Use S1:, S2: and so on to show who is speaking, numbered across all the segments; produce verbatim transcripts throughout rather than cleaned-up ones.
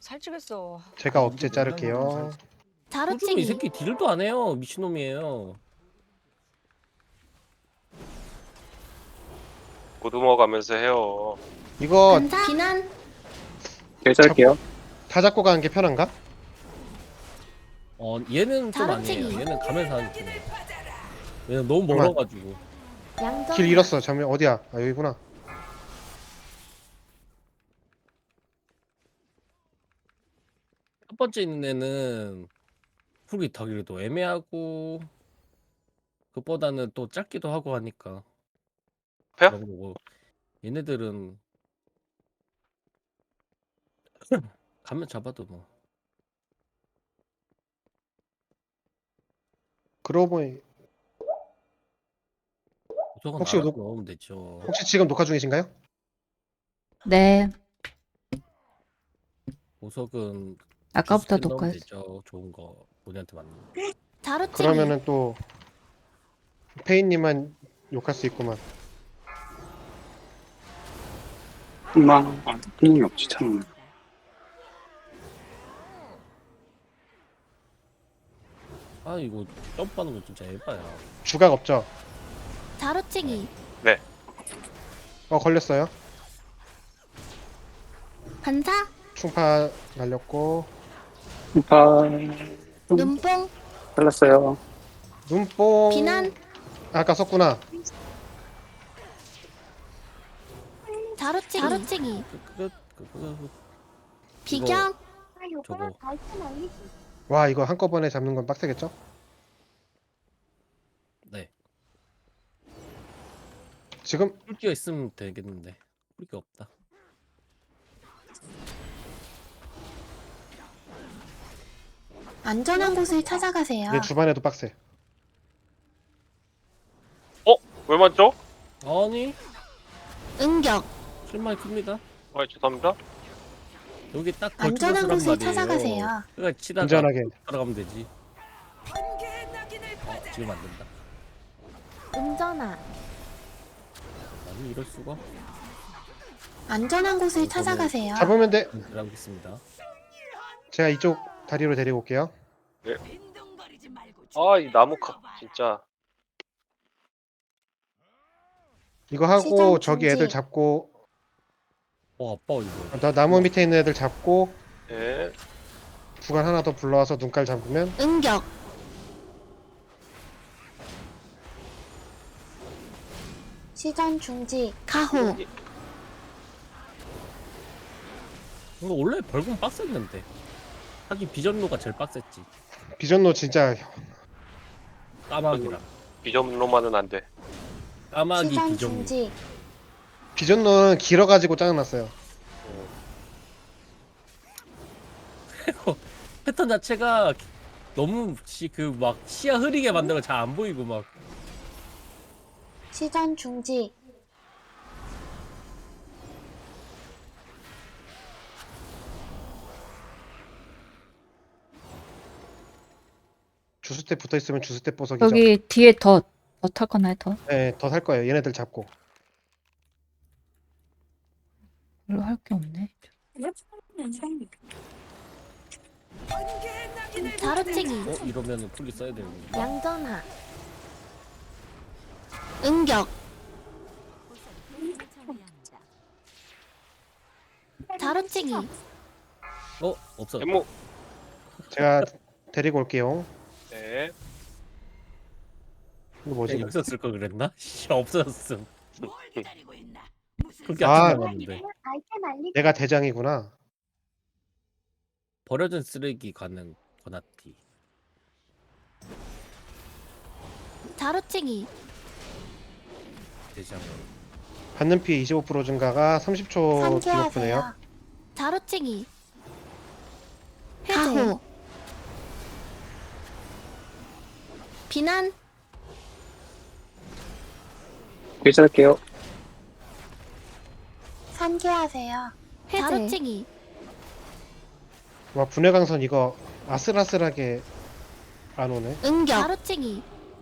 S1: 살찌겠어.
S2: 제가 억제 자를게요.
S3: 호주는 이
S4: 자루찡이
S3: 새끼 딜도 안 해요. 미친놈이에요.
S5: 보듬어 가면서 해요.
S2: 이거
S4: 반사 비난
S6: 결제할게요.
S2: 다 잡고 가는 게 편한가?
S3: 어 얘는 좀
S4: 자루찡이.
S3: 아니에요. 얘는 가면서 하는 팀이에요. 얘는 너무 멀어가지고.
S4: 양전
S2: 길 잃었어. 잠깐 어디야? 아 여기구나.
S3: 첫 번째 있는 애는 풀이 타기도 애매하고 그보다는 또 짧기도 하고 하니까
S5: 패요?
S3: 그런 거고 얘네들은 가면 잡아도 뭐
S2: 그러고 보니
S3: 우석은
S2: 혹시
S3: 알아서
S2: 녹-
S3: 넣으면 되죠.
S2: 혹시 지금 녹화 중이신가요?
S7: 네,
S3: 보석은
S7: 아까부터
S3: 주스캔 넣으면
S7: 녹화했어.
S3: 되죠. 좋은 거 본인한테 맞는 거.
S4: 자루찡이
S2: 그러면은 또 페인님만 욕할 수 있구만.
S6: 엄마, 아, 힘이 없지, 참.
S3: 아 이거 점프하는 거 진짜 에바야.
S2: 주각 없죠?
S4: 자루찡이
S2: 어 걸렸어요.
S4: 반사
S2: 충파 날렸고
S6: 음파,
S4: 눈뽕
S6: 잘랐어요.
S2: 눈뽕.
S4: 비난
S2: 아까 썼구나.
S4: 자루찡이 자루찡이
S3: 끝, 끝, 끝, 끝.
S4: 비경
S3: 저거
S2: 와 이거 한꺼번에 잡는 건 빡세겠죠?
S3: 네.
S2: 지금
S3: 뿔기가 있으면 되겠는데 뿔기 없다.
S4: 안전한 곳을 찾아가세요.
S2: 내 주반에도 빡세.
S5: 왜 맞죠?
S3: 아니
S4: 응격
S3: 실망이 큽니다.
S5: 아, 죄송합니다.
S3: 여기 딱
S4: 안전한
S3: 걸쳐서
S4: 곳을
S3: 말이에요.
S4: 찾아가세요.
S3: 그러니까 치다가
S2: 안전하게.
S3: 들어가면 되지. 어, 지금 안 된다.
S4: 운전아
S3: 아니 이럴 수가.
S4: 안전한 곳을 찾아가세요.
S2: 잡으면 돼.
S3: 들어가겠습니다.
S2: 제가 이쪽 다리로 데리고 올게요.
S5: 아, 이 나무 카 진짜.
S2: 이거 하고
S4: 시장
S2: 저기
S4: 중지.
S2: 애들 잡고
S3: 어 아빠 이거.
S2: 나 나무 밑에 있는 애들 잡고
S5: 예.
S2: 구간 하나 더 불러와서 눈깔 잡으면
S4: 응격 시전 중지 가호
S3: 이거 원래 벌금 빡셌는데. 하긴 비전로가 제일 빡셌지.
S2: 비전노 진짜
S3: 까마귀랑.
S5: 비점로만은 안 돼.
S3: 까마귀
S4: 시전
S3: 비전로.
S4: 중지
S2: 비전노는 길어가지고 짜증났어요.
S3: 패턴 자체가 너무 그 막 시야 흐리게 만들어 잘 안 보이고 막.
S4: 시전 중지
S2: 주스텝 붙어 있으면 주스텝 보석이죠.
S7: 여기 뒤에 더, 더 탈 거나요, 더?
S2: 네, 더 살 거예요. 얘네들 잡고.
S7: 별로 할 게 없네.
S4: 자루찡이
S3: 어 이러면은 풀리 써야 되는데.
S4: 양전아 응격 자루찡이
S3: 어 없어.
S5: 데모.
S2: 제가 데리고 올게요.
S5: 네.
S2: 이거 뭐지?
S3: 여기서 쓸 걸 그랬나? 씨 없어졌음. 그렇게
S2: 아.
S3: 안 남았는데.
S2: 내가 대장이구나.
S3: 버려진 쓰레기 가는 거나티.
S4: 자루찡이
S3: 대장.
S2: 받는 피해 이십오 퍼센트 증가가 삼십 초 디버프네요.
S4: 상쾌하세요. 자루찡이 가호 비난
S6: 결제할게요.
S4: 상쾌하세요. 자루찡이
S2: 와 분해 강선 이거 아슬아슬하게 안 오네.
S4: 응격 자루찡이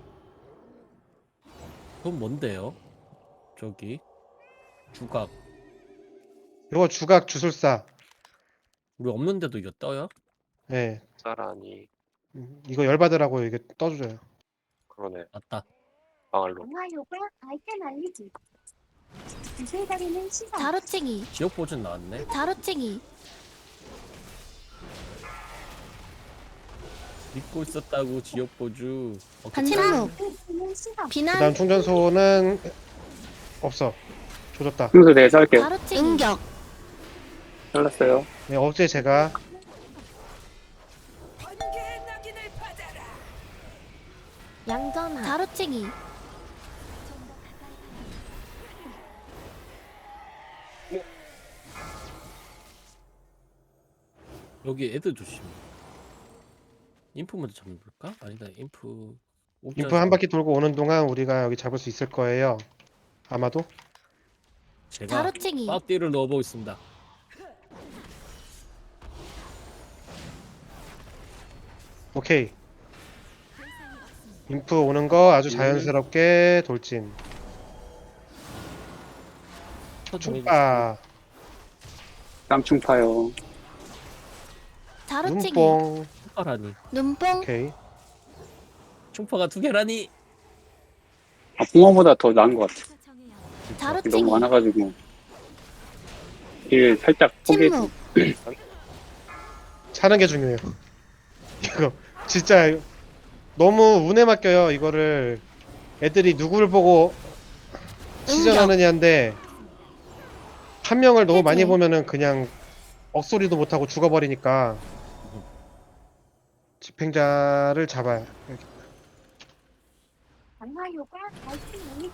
S3: 그건 뭔데요? 저기 주각.
S2: 이거 주각 주술사.
S3: 우리 없는데도 이거 떠요?
S2: 네.
S5: 쌀아니.
S2: 음, 이거 열받으라고 이게 떠줘요.
S5: 그러네.
S3: 맞다.
S5: 방알로.
S1: 영화요가 아이템 알리기. 이슬거리는 시선.
S4: 자루찡이.
S3: 지역 보존 나왔네.
S4: 자루찡이.
S3: 믿고 있었다고 지역 보주. 어,
S4: 침묵.
S1: 이슬거리는 시선.
S4: 비난.
S2: 그다음 충전소는 없어. 조졌다.
S6: 순서 내서 할게요.
S4: 자루찡이. 응격.
S6: 잘랐어요.
S2: 네, 어제 제가
S4: 양전하. 자루찡이.
S3: 여기 애들 조심. 인프 먼저 잡을까? 아니다. 인프.
S2: 인프 한 바퀴 돌고 오는 동안 우리가 여기 잡을 수 있을 거예요. 아마도.
S3: 제가
S4: 자루찡이.
S3: 빠띠를 넣어보겠습니다.
S2: 오케이. 인프 오는 거 아주 자연스럽게 돌진. 충파,
S6: 땀충파요.
S4: 자루찡이.
S2: 눈뽕.
S3: 충파라니.
S4: 눈뽕.
S2: 오케이.
S3: 충파가 두 개라니.
S6: 아, 붕어보다 더 나은 것 같아. 너무
S4: 자루찡이.
S6: 많아가지고. 일 살짝 포기했지.
S4: 침묵.
S2: 차는 게 중요해요. 이거 진짜 너무 운에 맡겨요. 이거를 애들이 누구를 보고 시전하느냐인데 한 명을 너무 많이
S4: 해제.
S2: 보면은 그냥 억소리도 못하고 죽어버리니까 집행자를 잡아야.
S1: 영화요가 아이템 알리기.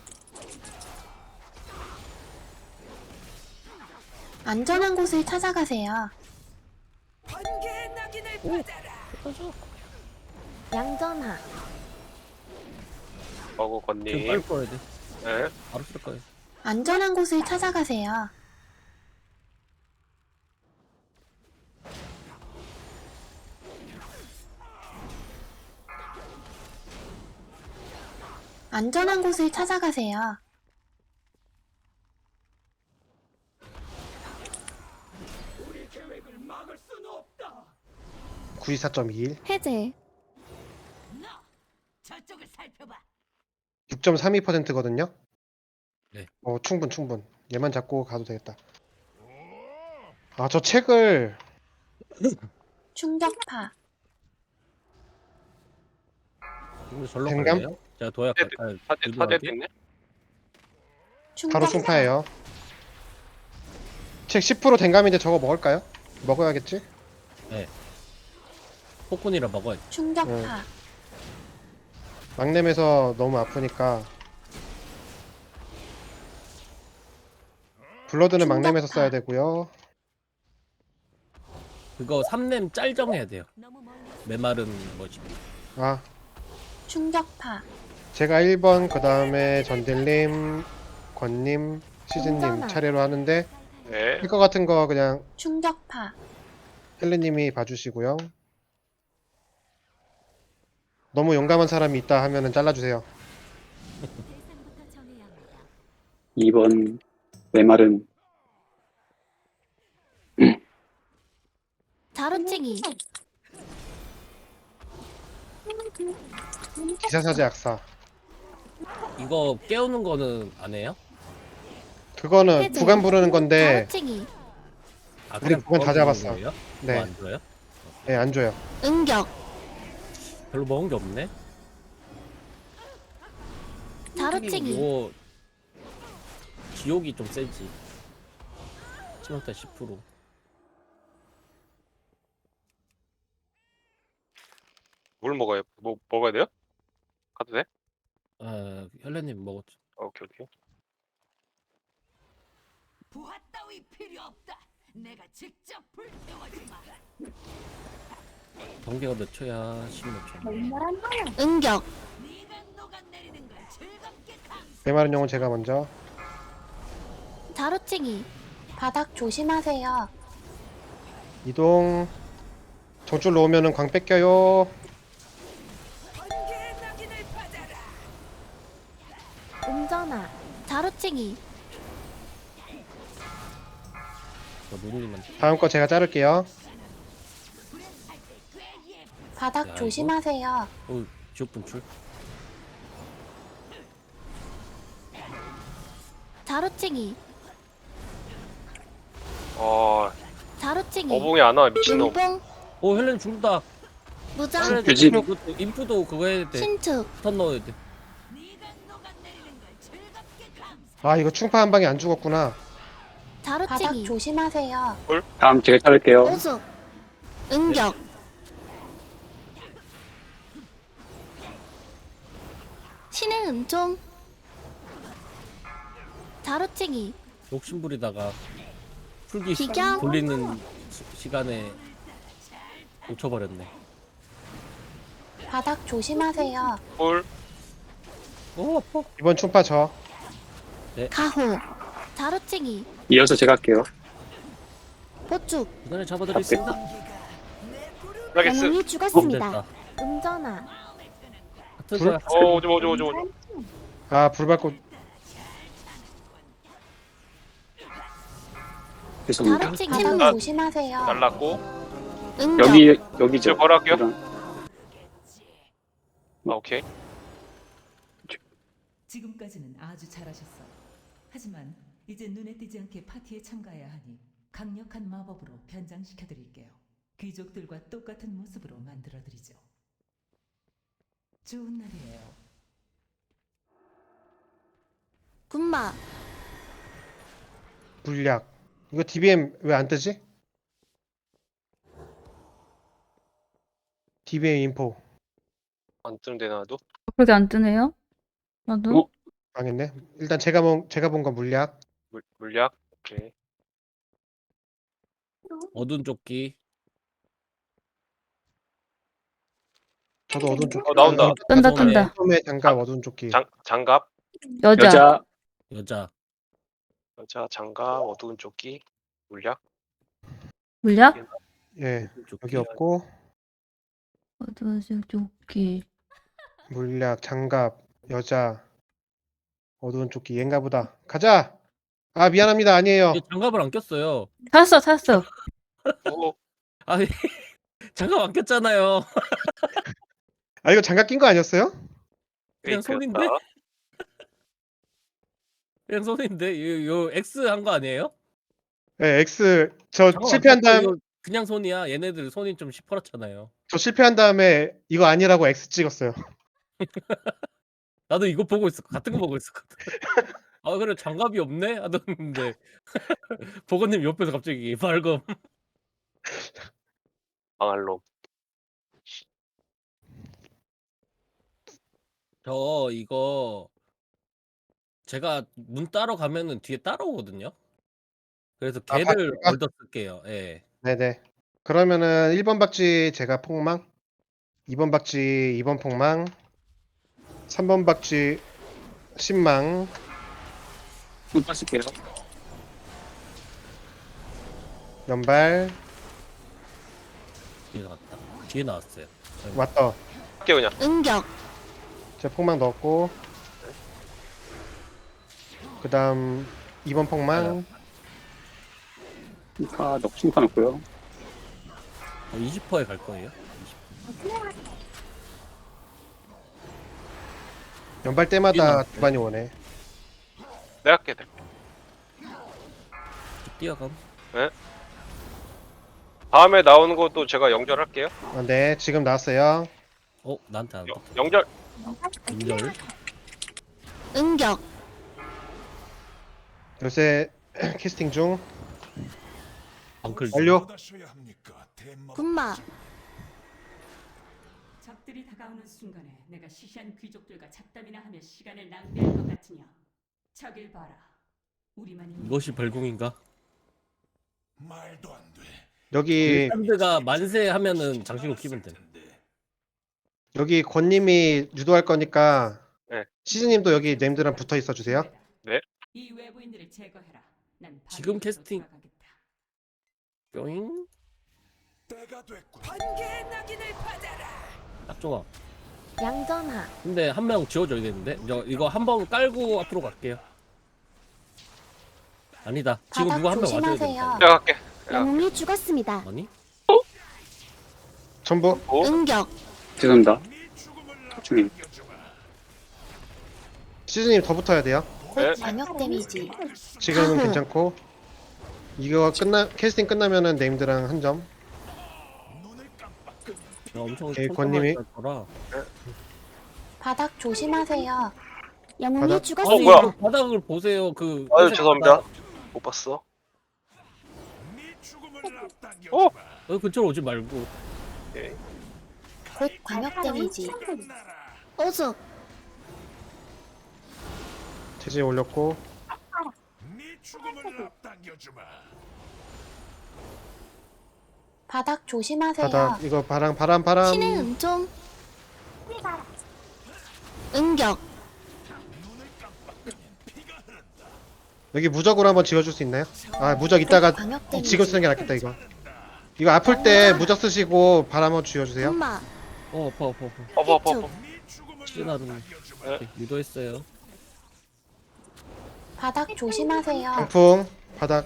S4: 안전한 곳을 찾아가세요. 양전하.
S5: 어구
S3: 지금 빨리
S5: 건님.
S3: 풀어야 돼.
S5: 네.
S3: 바로 쓸 거예요.
S4: 안전한 곳을 찾아가세요. 안전한 곳을 찾아가세요.
S2: 구십사 점 이일.
S4: 해제.
S2: 육 점 삼이 퍼센트거든요.
S3: 네.
S2: 어, 충분 충분. 얘만 잡고 가도 되겠다. 아, 저 책을
S4: 충격파.
S3: 이거 절로
S2: 댕감?
S3: 갈래요? 제가 도약
S5: 네,
S3: 갈까요?
S5: 사대 사대 됐네.
S2: 바로
S4: 충격파.
S2: 충파예요. 책 십 퍼센트 댕감인데 저거 먹을까요? 먹어야겠지?
S3: 폭군이라 먹어야 돼.
S4: 충격파.
S2: 막냄에서 너무 아프니까 블러드는
S4: 충격파.
S2: 막냄에서 써야 되고요.
S3: 그거 삼렘 짤정해야 돼요. 메마른 뭐지?
S2: 아,
S4: 충격파.
S2: 제가 일 번, 그 다음에 전딜님, 권님, 시즈님
S4: 운전아.
S2: 차례로 하는데
S5: 네.
S2: 할 것 같은 거 그냥
S4: 충격파.
S2: 헬리님이 봐주시고요. 너무 용감한 사람이 있다 하면은 잘라주세요.
S6: 이 번 메말은
S4: 자루찡이.
S2: 기사사제 악사.
S3: 이거 깨우는 거는 안 해요?
S2: 그거는
S4: 해제.
S2: 구간 부르는 건데
S4: 자루찡이.
S3: 아,
S2: 우리 그건 다
S3: 먹어주는
S2: 잡았어.
S3: 거예요?
S2: 네,
S3: 뭐 안 줘요?
S2: 네, 안 줘요.
S4: 응격.
S3: 별로 먹은 게 없네.
S4: 자루찡이.
S3: 뭐 지옥이 좀 세지. 치명타 십 퍼센트.
S5: 뭘 먹어요? 뭐 먹어야 돼요? 가도 돼?
S3: 아, 헬레님 먹었죠.
S5: 어, 오케이 오케이.
S8: 부하 따위 필요 없다. 내가 직접 불태워주마.
S3: 경계가 몇 초야? 십몇 초.
S1: 맹렬한 화염.
S4: 응격.
S8: 네가 녹아내리는 걸 즐겁게 감상.
S2: 메마른 용은 제가 먼저.
S4: 자루찡이. 바닥 조심하세요.
S2: 이동. 정줄로 오면은 광 뺏겨요.
S8: 번개의 낙인을 받아라.
S4: 운전아. 자루찡이.
S3: 저 누님한테.
S2: 다음 거 제가 자를게요.
S4: 바닥
S3: 야,
S4: 조심하세요.
S3: 어, 지옥 분출.
S4: 자루찡이.
S5: 어
S4: 자루찡이.
S5: 어봉이 안 와 미친놈.
S4: 눈뽕.
S3: 오 헬렌 죽는다.
S4: 무장.
S6: 유진.
S3: 그것도 인프도 그거 해야 돼.
S4: 신축.
S3: 턴 넣어야 돼.
S8: 네가 녹아내리는 걸 즐겁게 감사.
S2: 아 이거 충파 한 방에 안 죽었구나.
S4: 자루찡이. 바닥 조심하세요.
S6: 다음 제가 자를게요.
S4: 오숙. 응격. 신의 은총. 자루찡이.
S3: 욕심부리다가 풀기 시-
S4: 비경.
S3: 돌리는 시, 시간에 놓쳐버렸네.
S4: 바닥 조심하세요.
S5: 볼.
S3: 오 아파.
S2: 이번 충파 저.
S4: 가호. 자루찡이.
S6: 이어서 제가 할게요.
S4: 보축.
S3: 그날에 잡아드리겠습니다.
S5: 라게스.
S4: 영웅이
S3: 어,
S4: 죽었습니다.
S3: 됐다.
S4: 음전화.
S3: 같은
S2: 불?
S3: 거야.
S5: 어 오지 마 오지 마 오지 마.
S2: 아 불 밟고
S6: 죄송합니다.
S4: 자루찡이. 바닥
S5: 아.
S4: 조심하세요.
S5: 날랐고.
S4: 응격.
S6: 여기 여기죠.
S5: 제가 바로 할게요.
S6: 이런.
S5: 아 오케이.
S8: 지금까지는 아주 잘하셨어. 하지만 이제 눈에 띄지 않게 파티에 참가해야 하니 강력한 마법으로 변장시켜 드릴게요. 귀족들과 똑같은 모습으로 만들어 드리죠. 좋은 날이에요.
S4: 군마.
S2: 물약. 이거 디비엠 왜 안 뜨지? 디비엠 인포
S5: 안 뜨는데 나도.
S7: 그렇게 안 뜨네요? 나도.
S6: 어?
S2: 망했네. 일단 제가 본 제가 본 건 물약.
S5: 물 물약. 오케이.
S3: 어두운 조끼.
S2: 저도 어두운 조끼.
S5: 어 나온다.
S7: 뜬다
S3: 손에
S7: 뜬다.
S2: 처음에 장갑 어두운 조끼.
S5: 장 장갑.
S7: 여자.
S6: 여자
S3: 여자.
S5: 여자 장갑 어두운 조끼. 물약.
S7: 물약?
S2: 예.
S3: 조끼.
S2: 여기 없고
S7: 어두운 조끼.
S2: 물약, 장갑, 여자, 어두운 조끼. 얘인가 보다. 가자. 아 미안합니다. 아니에요.
S3: 얘 장갑을 안 꼈어요.
S7: 찾았어 찾았어.
S5: 오.
S3: 아 장갑 안 꼈잖아요.
S2: 아 이거 장갑 낀 거 아니었어요?
S3: 그냥 손인데? 그냥 손인데 요, 요 X 한 거 아니에요?
S2: 네, X 저
S3: 장갑 안
S2: 실패한
S3: 꼈고
S2: 다음
S3: 이거 그냥 손이야. 얘네들 손이 좀 시퍼렇잖아요.
S2: 저 실패한 다음에 이거 아니라고 X 찍었어요.
S3: 나도 이거 보고 있어. 같은 거 보고 있었거든. 아 그래 장갑이 없네 하던데 보건님 옆에서 갑자기 발검.
S5: 방알로.
S3: 저 이거 제가 문 따러 가면은 뒤에 따라오거든요. 그래서
S2: 아,
S3: 걔를
S2: 바퀴가?
S3: 얻어 쓸게요. 예.
S2: 네네. 그러면은 일 번 박쥐 제가 폭망, 이 번 박쥐 이 번 폭망, 삼 번 박쥐 신망,
S6: 좀 빠질게요.
S2: 연발
S3: 뒤에 나왔다. 뒤에 나왔어요.
S2: 왔다.
S5: 할게 그냥.
S4: 응격.
S2: 제가 폭망 넣었고 그 다음 이 번 폭망,
S6: 아, 넣 충파 넣고요.
S3: 어, 이십 퍼센트에 갈 거예요.
S2: 연발 때마다
S3: 이십.
S2: 두 반이 오네.
S5: 내가 할게. 내가.
S3: 뛰어감.
S5: 다음에 나오는 것도 제가 연결할게요.
S2: 아, 네, 지금 나왔어요.
S3: 어 나한테 안
S5: 여,
S3: 떴다.
S5: 연결.
S3: 인절.
S4: 응격.
S2: 요새 캐스팅 중.
S3: 엉클.
S2: 완료.
S4: 군마.
S8: 적들이 다가오는 순간에 내가 시시한 귀족들과 잡담이나 하며 시간을 낭비할 것 같으냐? 저길 봐라. 우리만이
S3: 이것이 벌궁인가?
S9: 말도 안 돼.
S2: 여기
S3: 샌드가 만세 하면은 장신구 키면 돼.
S2: 여기 권님이 유도할 거니까
S5: 네.
S2: 시즈님도 여기 님들랑 붙어 있어 주세요.
S8: 이 외부인들을 제거해라. 난
S3: 지금
S8: 바로
S3: 캐스팅.
S8: 돌아가겠다.
S3: 뿅.
S9: 때가 됐군.
S8: 번개의 낙인을 받아라.
S3: 딱 좋아.
S4: 양전하.
S3: 근데 한 명 지워줘야겠는데? 저 이거 한 번 깔고 앞으로 갈게요. 아니다. 지금
S4: 바닥
S3: 누구 한 명 와줘야
S4: 조심하세요.
S3: 된다.
S5: 내가 할게.
S4: 영웅이 죽었습니다.
S3: 아니?
S2: 전부
S5: 어?
S4: 응격.
S6: 죄송합니다. 집중해.
S2: 시즈님 더 붙어야 돼요.
S4: 곧
S5: 네.
S4: 광역 데미지.
S2: 지금은
S4: 아후.
S2: 괜찮고 이거 끝나 캐스팅 끝나면은 네임드랑 한 점.
S3: 나 엄청
S2: 오케이,
S3: 촘촘하게
S2: 권님이.
S3: 더라.
S4: 바닥 조심하세요. 영웅이
S2: 바닥-
S3: 아니
S4: 죽었습니다.
S5: 뭐야?
S3: 그 바닥을 보세요. 그
S5: 아유
S3: 회색
S5: 죄송합니다.
S3: 바닥.
S5: 못 봤어.
S9: 어?
S3: 어 근처로 오지 말고.
S4: 곧 광역 데미지. 오숙.
S2: 체제 올렸고
S9: 네 죽음을 앞당겨주마.
S4: 바닥 조심하세요.
S2: 바닥 이거 바람 바람 바람.
S4: 신의 은총. 응격.
S2: 여기 무적으로 한번 지어줄 수 있나요? 아 무적 이따가
S4: 광역 데미지.
S2: 지금 쓰는 게 낫겠다 이거. 이거 아플 때 무적 쓰시고 바람 한번 쥐어주세요.
S4: 군마.
S3: 어 아파 아파 아파.
S5: 아파 아파 아파.
S3: 시나는 유도했어요.
S4: 바닥 조심하세요.
S2: 강풍 바닥.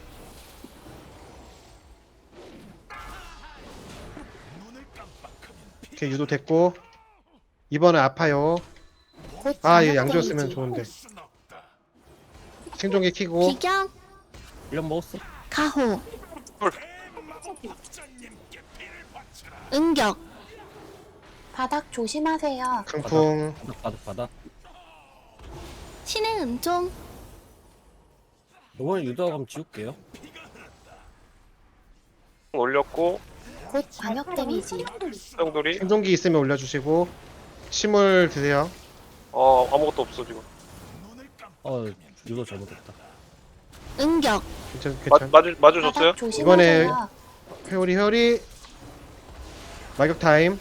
S2: 오케이 유도 됐고 이번에 아파요.
S4: 곧
S2: 아 이거
S4: 광역
S2: 양지어
S4: 데미지.
S2: 쓰면 좋은데. 생존기 키고
S4: 비경.
S3: 일 년 먹었어.
S4: 가호. 응격. 바닥 조심하세요.
S2: 강풍
S3: 바닥 바닥 바닥.
S4: 신의 은총.
S3: 이번에 유도하고 한번 지울게요.
S5: 올렸고
S4: 곧 광역 데미지.
S5: 수영돌이.
S2: 생존기 있으면 올려주시고 침을 드세요.
S5: 어 아무것도 없어 지금.
S3: 어 유도 잘못했다.
S4: 응격.
S2: 괜찮
S5: 마,
S2: 괜찮.
S5: 마주 마주 줬어요?
S4: 바닥 조심하세요.
S2: 회오리 회오리 마격 타임.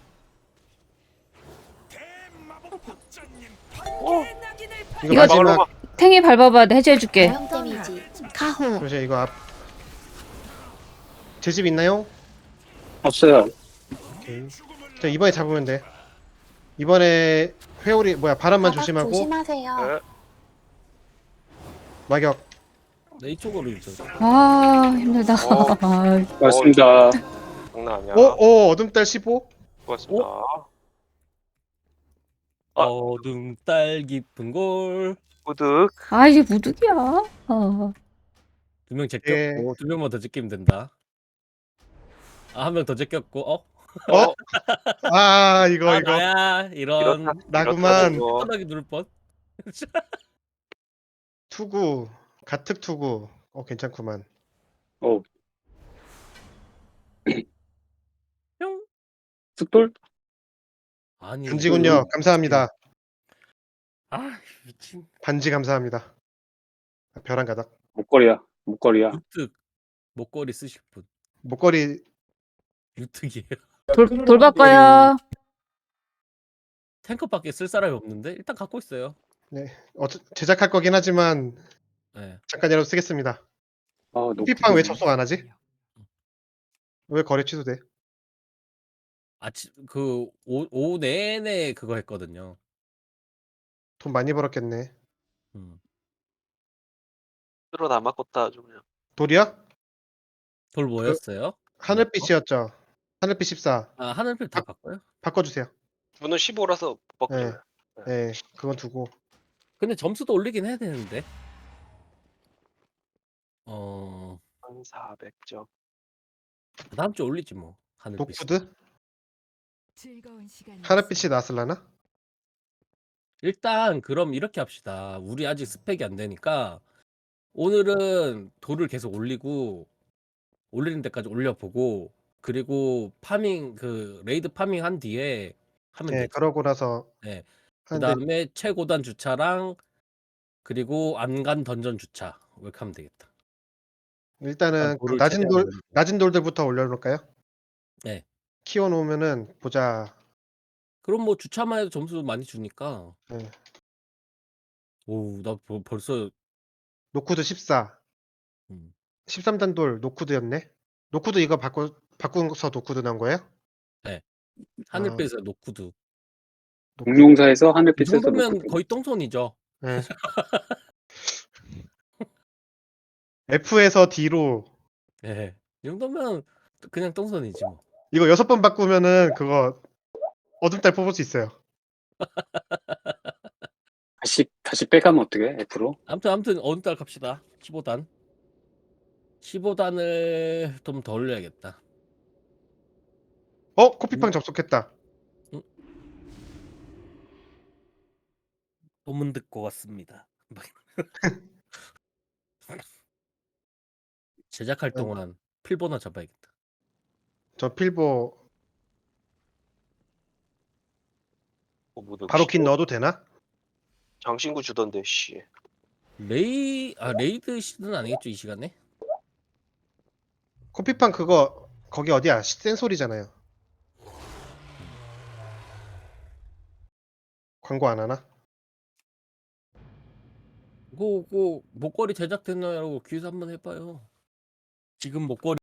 S2: 이거
S7: 이거
S2: 마지막
S5: 막으러
S7: 탱이 밟아봐. 내가 해제해줄게.
S4: 광역 데미지. 가호.
S2: 그러죠 이거 앞. 제 집 있나요?
S6: 없어요.
S2: 오케이. 자 이번에 잡으면 돼. 이번에 회오리 뭐야 바람만
S4: 바닥
S2: 조심하고
S4: 조심하세요.
S5: 네.
S2: 마격.
S3: 네 이쪽으로 유도.
S7: 아 힘들다.
S5: 어.
S7: 아,
S6: 맞습니다.
S5: 장난 아니야.
S2: 오, 오 어둠달 십오.
S5: 수고하셨습니다. 아.
S3: 어둠 딸 깊은 골.
S5: 구득.
S7: 아 이게 무득이야. 아.
S3: 두 명
S2: 예.
S3: 제꼈고 두 명만 더 제끼면 된다. 아 한 명 더 제꼈고 어?
S2: 어? 아 이거
S3: 아
S2: 이거
S3: 나야 이런
S5: 이렇다.
S2: 나구만.
S5: 이렇다,
S3: 편하게 누를 뻔.
S2: 투구 가특 투구. 어 괜찮구만.
S6: 어,
S3: 뿅.
S6: 숫돌?
S3: 아니
S2: 반지군요. 감사합니다.
S3: 아 미친.
S2: 반지 감사합니다. 벼랑 가닥.
S6: 목걸이야. 목걸이야.
S3: 유특 목걸이 쓰실 분
S2: 목걸이
S3: 유특이에요.
S7: 돌 돌바꿔요.
S3: 탱커밖에 쓸 사람이 없는데 일단 갖고 있어요.
S2: 네 어, 제작할 거긴 하지만
S3: 네.
S2: 잠깐이라도 쓰겠습니다.
S6: 아,
S2: 피팡 왜 접속 안 하지? 왜 거래 취소돼?
S3: 아침 그 오, 오후 내내 그거 했거든요.
S2: 돈 많이 벌었겠네.
S3: 음.
S5: 들어 남았겠다 아주 그냥.
S2: 돌이야?
S3: 돌 뭐였어요?
S2: 하늘빛이었죠. 하늘빛 십사.
S3: 아 하늘빛 다 바꿔요?
S2: 바꿔주세요.
S5: 분은 십오라서 못
S2: 네.
S5: 바뀌어요.
S2: 네, 그건 두고.
S3: 근데 점수도 올리긴 해야 되는데. 어
S5: 천사백 점.
S3: 다음 주 올리지 뭐. 하늘빛.
S2: 노쿠드?
S8: 즐거운 시간이
S2: 하늘빛이 나왔을라나?
S3: 일단 그럼 이렇게 합시다. 우리 아직 스펙이 안 되니까 오늘은 돌을 계속 올리고 올리는 데까지 올려보고 그리고 파밍 그 레이드 파밍 한 뒤에 하면
S2: 네,
S3: 되지.
S2: 그러고 나서
S3: 네.
S2: 하는데
S3: 그다음에 최고단 주차랑 그리고 안간 던전 주차 이렇게 하면 되겠다.
S2: 일단은 그
S3: 돌을
S2: 낮은
S3: 최대한
S2: 돌
S3: 올리고.
S2: 낮은 돌들부터 올려놓을까요?
S3: 네.
S2: 키워 놓으면은 보자.
S3: 그럼 뭐 주차만 해도 점수 많이 주니까.
S2: 네.
S3: 오, 나 벌- 벌써
S2: 노쿠드 십사.
S3: 음.
S2: 십삼 단 돌 노쿠드였네. 노쿠드 이거 바꿔 바꾸서 노쿠드 나온 거예요?
S3: 하늘빛에 노쿠드.
S2: 노쿠드.
S6: 공룡사에서
S3: 이
S6: 하늘빛에서
S3: 정도면
S6: 노크드.
S3: 거의 똥손이죠.
S2: 네. F에서 D로
S3: 예. 이 정도면 그냥 똥손이지 뭐.
S2: 이거 여섯 번 바꾸면은 그거 어둠달 뽑을 수 있어요.
S6: 다시 다시 빼가면 어떻게 F로?
S3: 아무튼 아무튼 어느 달 갑시다. 십오 단. 십오 단을 좀 더 올려야겠다.
S2: 어? 코피팡 접속했다.
S3: 소문 듣고 왔습니다. 제작할 동안 필보나 잡아야겠다.
S2: 저 필보
S5: 어, 뭐 너
S2: 바로
S5: 씨,
S2: 긴 넣어도 되나?
S5: 장신구 주던데 씨.
S3: 레이 아 레이드 시즌 아니겠죠 이 시간에?
S2: 코피팡 그거 거기 어디야? 센소리잖아요. 광고 안 하나?
S3: 그거 그거 목걸이 제작됐나요? 라고 퀴즈 한번 해봐요. 지금 목걸이